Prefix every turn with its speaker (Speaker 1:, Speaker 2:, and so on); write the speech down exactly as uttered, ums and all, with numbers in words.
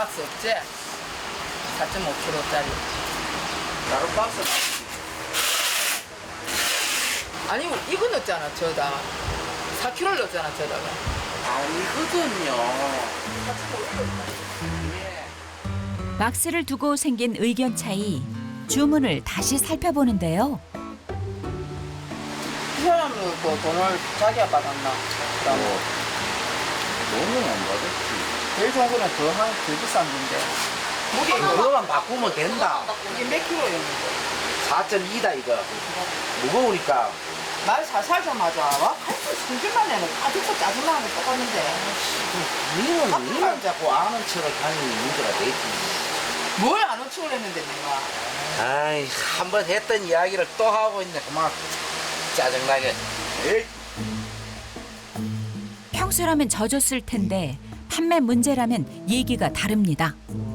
Speaker 1: 박스 없지? 사 점 오 킬로그램짜리.
Speaker 2: 다른 박스
Speaker 1: 아니, 이거 넣었잖아, 저다. 사 킬로그램 넣었잖아, 저다가.
Speaker 2: 아니거든요.
Speaker 3: 박스를 두고 생긴 의견 차이. 주문을 다시 살펴보는데요.
Speaker 1: 이 사람은 그 돈을 자기가 받았나? 그다음에
Speaker 2: 뭐, 너는 안 받았지.
Speaker 1: 제일 좋은 거는 더, 한, 더 비싼 건데. 무게 이거,
Speaker 2: 그거만 바꾸면 된다.
Speaker 1: 이게 몇 킬로였는데?
Speaker 2: 사 점 이다 이거. 무거우니까.
Speaker 1: 말 살살 좀 하자. 와, 칼수 승질만 내는 아직도 짜증나는 거 똑같는데.
Speaker 2: 니는, 니는 자꾸 아는 척을 하는 문제가 되지.
Speaker 1: 뭘 안 오치고 했는데, 내가.
Speaker 2: 아이, 한 번 했던 이야기를 또 하고 있네. 그만. 짜증나게. 에이.
Speaker 3: 평소라면 져줬을 텐데 판매 문제라면 얘기가 다릅니다.